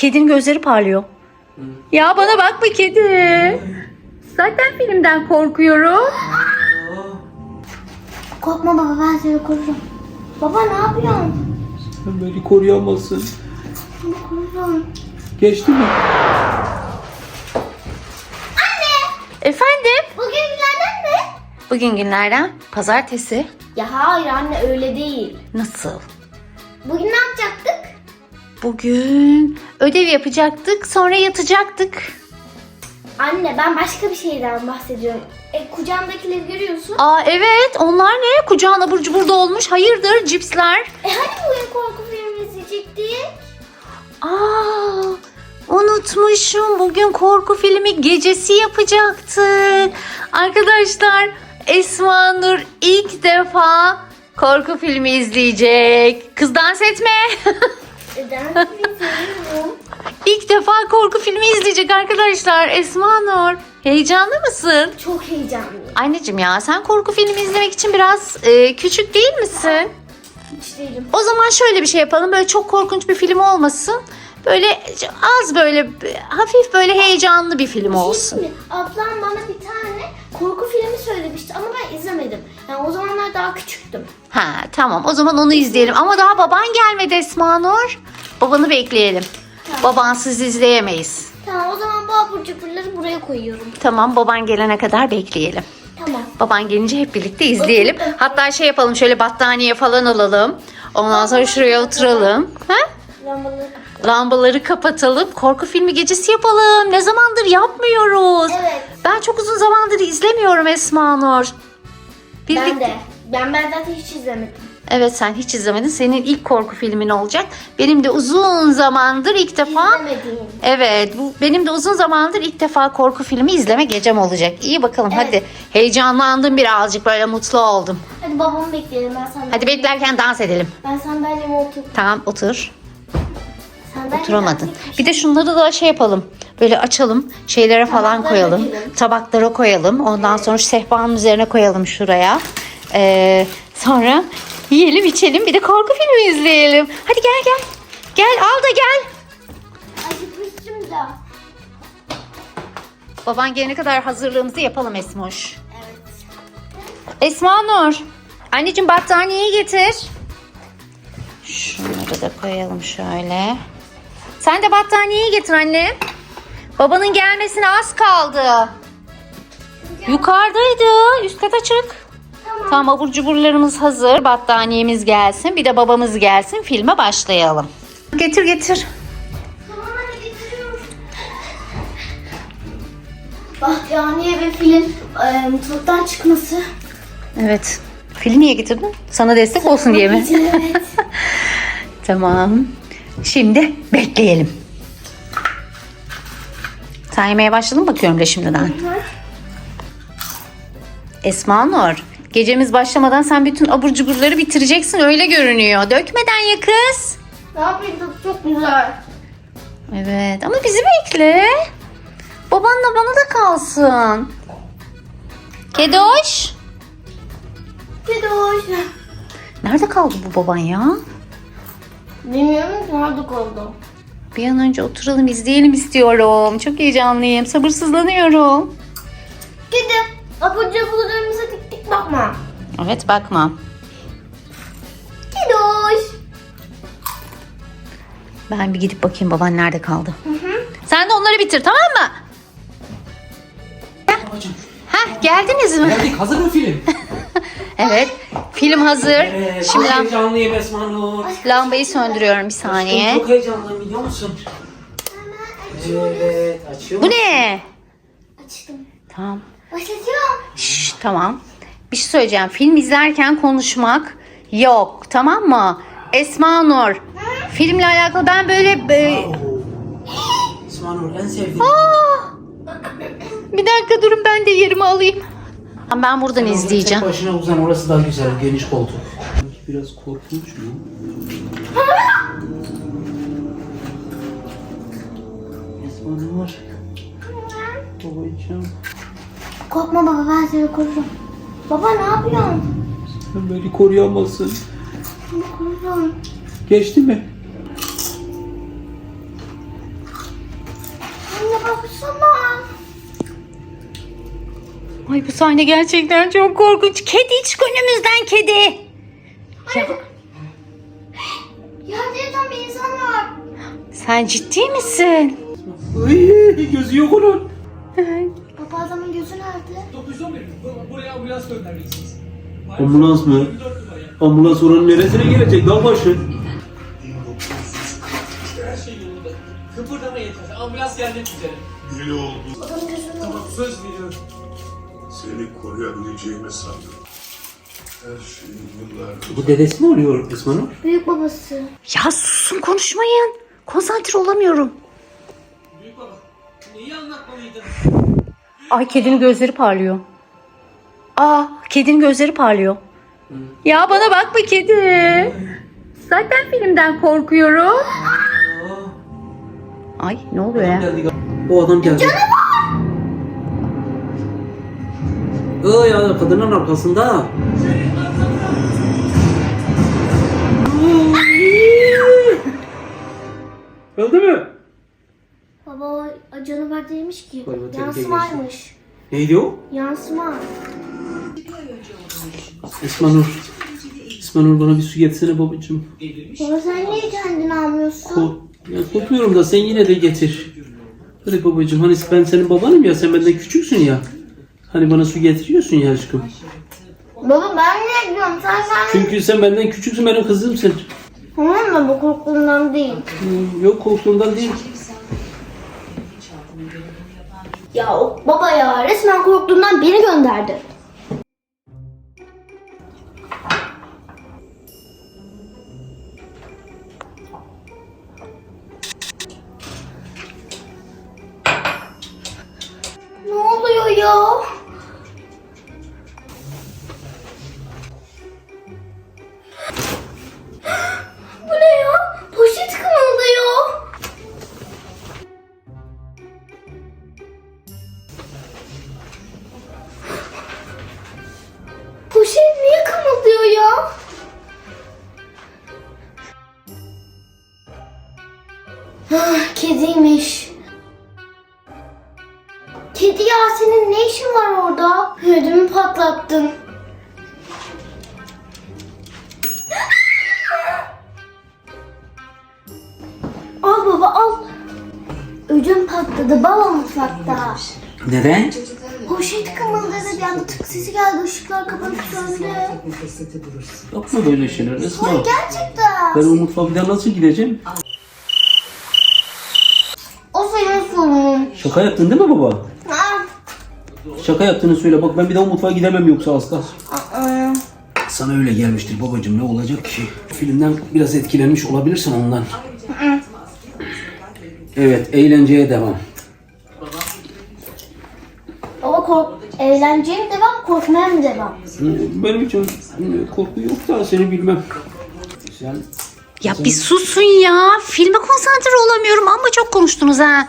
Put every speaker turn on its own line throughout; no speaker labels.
kedinin gözleri parlıyor. Ya bana bak bir kedi. Zaten filmden korkuyorum.
Korkma baba, ben seni korurum. Baba ne yapıyorsun?
Sen beni koruyamazsın.
Seni korurum.
Geçti mi?
Efendim?
Bugün günlerden ne?
Bugün günlerden pazartesi.
Ya hayır anne, öyle değil.
Nasıl?
Bugün ne yapacaktık?
Bugün ödev yapacaktık, sonra yatacaktık.
Anne, ben başka bir şeyden bahsediyorum. Kucağımdakileri görüyorsun.
Aa evet, onlar ne? Kucağın abur cubur dolmuş. Hayırdır cipsler?
Hani bugün korku filmi izleyecektik?
Aa, unutmuşum. Bugün korku filmi gecesi yapacaktık. Arkadaşlar, Esma Nur ilk defa korku filmi izleyecek. Kız dans etme.
Neden izliyorum?
İlk defa korku filmi izleyecek arkadaşlar. Esma Nur, heyecanlı mısın?
Çok heyecanlıyım.
Anneciğim ya, sen korku filmi izlemek için biraz küçük değil misin?
Hiç değilim.
O zaman şöyle bir şey yapalım. Böyle çok korkunç bir film olmasın. Böyle az böyle hafif böyle heyecanlı bir film olsun.
Şimdi ablam bana bir tane korku filmi söylemişti ama ben izlemedim. Yani o zamanlar daha küçüktüm.
Ha tamam, o zaman onu izleyelim. Ama daha baban gelmedi Esma Nur. Babanı bekleyelim.
Tamam.
Babansız izleyemeyiz.
Tamam, o zaman bu abur cuburları buraya koyuyorum.
Tamam, baban gelene kadar bekleyelim.
Tamam.
Baban gelince hep birlikte izleyelim. Hatta şey yapalım, şöyle battaniye falan alalım. Ondan sonra şuraya oturalım. Ha?
Lambaları.
Lambaları kapatalım. Korku filmi gecesi yapalım. Ne zamandır yapmıyoruz.
Evet.
Ben çok uzun zamandır izlemiyorum Esma Nur.
Ben de. Ben zaten hiç izlemedim.
Evet, sen hiç izlemedin. Senin ilk korku filmin olacak. Benim de uzun zamandır ilk defa.
İzlemediğim.
Evet, bu benim de uzun zamandır ilk defa korku filmi izleme gecem olacak. İyi bakalım,
Evet.
hadi. Heyecanlandım birazcık, böyle mutlu oldum.
Hadi babamı bekleyelim, ben sandalye.
Hadi beklerken dans edelim.
Ben sandalyeme otur.
Tamam, otur.
Sandalye
Oturamadın.
daha
Bir de şunları da şey yapalım. Böyle açalım. Şeylere falan
Tabaklara
koyalım.
dökelim.
Tabaklara koyalım. Ondan sonra şu sehpanın üzerine koyalım şuraya. Sonra yiyelim içelim. Bir de korku filmi izleyelim. Hadi gel gel. Gel al da gel.
acıkmıştım da.
Baban gelene kadar hazırlığımızı yapalım Esmoş.
Evet.
Esma Nur. Anneciğim battaniyeyi getir. Şunları da koyalım şöyle. Sen de battaniyeyi getir anne. Babanın gelmesine az kaldı. Yukarıdaydı. Üst kata çık. Tamam, abur cuburlarımız hazır. Battaniyemiz gelsin. Bir de babamız gelsin. Filme başlayalım. Getir getir.
Tamam, hadi getiriyorum. Bahtiyaniye ve filin mutfaktan çıkması.
Evet. Fili niye getirdin? Sana destek olsun diye mi?
Evet.
Tamam. Şimdi bekleyelim. Sen yemeye başladın mı bakıyorum da şimdiden. Esma Nur, gecemiz başlamadan sen bütün abur cuburları bitireceksin, öyle görünüyor. Dökmeden ya kız.
Ne yapayım, çok güzel.
Evet ama bizi bekle. Babanla bana da kalsın. Kedoş.
Kedi hoş.
Nerede kaldı bu baban ya?
Bilmiyorum ki nerede kaldı.
Bir an önce oturalım izleyelim istiyorum. Çok heyecanlıyım. Sabırsızlanıyorum.
Kedi, abur cuburlarımıza dik dik bakma.
Evet bakma.
Kedi hoş.
Ben bir gidip bakayım baban nerede kaldı. Sen de onları bitir, tamam mı?
Babacığım.
Heh, geldiniz mi?
Geldik. Hazır mı film?
Evet. Film hazır.
Evet.
Şimdi
Çok heyecanlıyım Esma Nur.
lambayı söndürüyorum bir saniye.
Çok heyecanlıyım, biliyor musun? Evet. Açıyor
Bu
musun?
ne?
Açtım.
Tamam.
Başlatıyorum.
Şşş, tamam. Bir şey söyleyeceğim. Film izlerken konuşmak yok. Tamam mı? Esma Nur. Filmle alakalı ben böyle...
Esma Nur en sevdiğim.
Bir dakika durun, ben de yerimi alayım. Ben buradan izleyeceğim.
Tek başına uzan, orası daha güzel. Geniş koltuk. Biraz korkunç mu? Esma Nur. Babacığım.
Korkma baba, ben seni korurum. Baba ne yapıyorsun?
Sen beni koruyamazsın.
Seni korurum.
Geçti mi?
baksana.
Ay bu sahne gerçekten çok korkunç. Kedi çık önümüzden kedi. Ya,
Yerde yatan bir insan var.
sen ciddi misin?
Ay, gözü yok onun.
Baba adamın gözü nerede?
911 buraya ambulans göndermelisiniz.
Ambulans mı? Ambulans oranın neresine gelecek? Dağ başı.
Her şey yolunda. Kıpırdama yeter. Ambulans gelmek üzere.
İyi oldu.
Adamın gözü nerede?
Tamam söz veriyorum.
Seni koruyabileceğimi sandım. Her şeyi yıllardır...
Bu dedesi mi oluyor Esma Nur?
Büyük babası.
Ya susun konuşmayın. Konsantre olamıyorum.
Büyük baba. Neyi anlatmalıydın?
Ay kedinin gözleri parlıyor. Aa kedinin gözleri parlıyor. Ya bana bakma kedi. Zaten filmden korkuyorum. Ay ne oluyor ya?
O adam geldi. Ya kadının arkasında. Öldü mü?
Baba o canavar değilmiş ki.
Koyma, tehlikeye
Yansımaymış.
Neydi o?
Yansıma.
Esma Nur. Esma Nur bana bir su getirsene babacığım.
Baba sen niye kendini almıyorsun?
Ya korkmuyorum da sen yine de getir. Hadi babacığım hani ben senin babanım ya sen benden küçüksün ya. Hani bana su getiriyorsun ya aşkım.
Baba ben niye gidiyorum? Sen
Çünkü sen benden küçüksün benim kızımsın.
Tamam mı? Bu korktuğumdan değil.
Yok korktuğumdan değil.
Ya baba ya resmen korktuğumdan beni gönderdi. Ne oluyor ya? Bu ne ya? Poşet kımıldıyor. Poşet niye kımıldıyor ya? Kediymiş. Kedi ya senin ne işin var orada? Ödümü patlattın. Al baba al. Ödüm patladı baba mutfakta.
Neden?
Poşet kımıldadı bir anda tık sesi geldi ışıklar kapanıp söndü.
Yapma böyle şeyler Esma.
Ay gerçekten.
Ben o mutfağa bir daha nasıl gideceğim?
O senin sorunun.
Şaka yaptın değil mi baba?
Ha?
Şaka yaptığını söyle. Bak ben bir daha o mutfağa gidemem yoksa az kalsın.
Aa.
Sana öyle gelmiştir babacığım ne olacak ki? Filmden biraz etkilenmiş olabilirsin ondan. Evet eğlenceye devam.
Baba eğlenceye mi devam korkmaya mı devam?
Benim için korku yok da seni bilmem. Sen
Ya bir susun ya. Filme konsantre olamıyorum ama çok konuştunuz ha.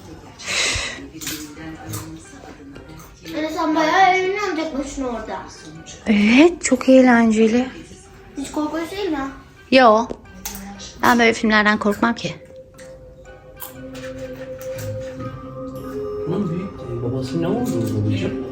Sen bayağı eğleniyorsun tek başına orada.
Evet çok eğlenceli.
Hiç korkunç değil mi?
Yo. Ben böyle filmlerden korkmam ki.
bunun büyük babası ne oldu babacığım?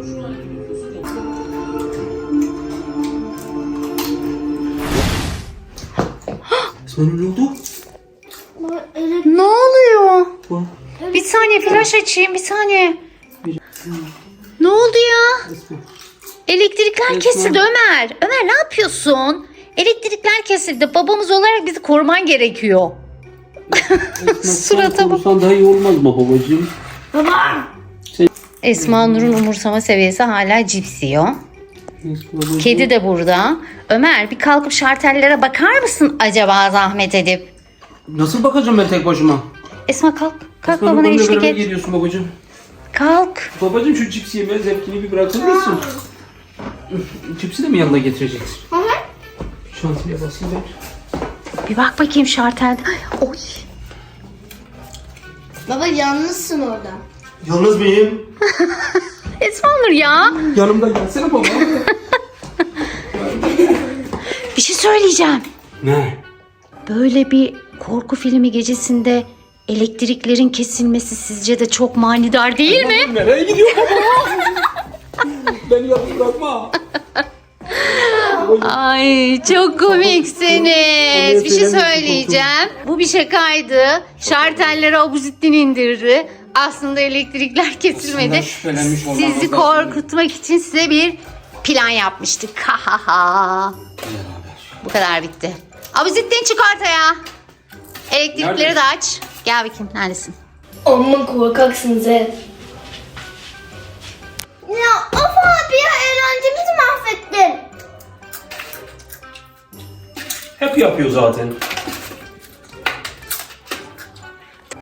Esma ne oldu?
Baba
Ne oluyor?
Bu.
Bir saniye flaş açayım bir saniye. Ne oldu ya?
Esma.
Elektrikler kesildi Ömer. Ömer ne yapıyorsun? Elektrikler kesildi. Babamız olarak bizi koruman gerekiyor. Surata bak.
Konuşsan daha iyi olmaz mı babacığım?
Baba.
Esma Nur'un umursama seviyesi hala cips yiyor.
Babacığım.
Kedi de burada. Ömer bir kalkıp şartellere bakar mısın acaba zahmet edip?
Nasıl bakacağım ben tek başıma?
Esma kalk. Kalk
Esma,
babana
benimle
eşlik
beraber
et.
geliyorsun babacığım.
Kalk.
Babacığım şu cips yeme zevkini bir bırakır mısın? Cipsi de mi yanına getireceksin?
Hı hı.
Şantiye basayım ben.
Bir bak bakayım şartelde. Oy.
Baba yalnızsın orada.
Yalnız mıyım?
Esma Nur ya.
Yanımda gelsene baba.
Bir şey söyleyeceğim.
Ne?
Böyle bir korku filmi gecesinde elektriklerin kesilmesi sizce de çok manidar değil mi?
Nereye gidiyor baba? Beni yalnız bırakma.
Ay çok komiksiniz. Bir şey söyleyeceğim. Bu bir şakaydı. Şartellere Abuzittin indirdi. Aslında elektrikler kesilmedi.
Aslında şüphelenmiş olmamız
Sizi
lazım.
korkutmak için size bir plan yapmıştık. Ha ha ha. Bu kadar bitti. Abuzittin çık ortaya. Elektrikleri
Nerede?
de aç. Gel bakayım neredesin?
Amma korkaksınız hep. Ya of abi ya eğlencemizi mahvettin.
Hep yapıyor zaten.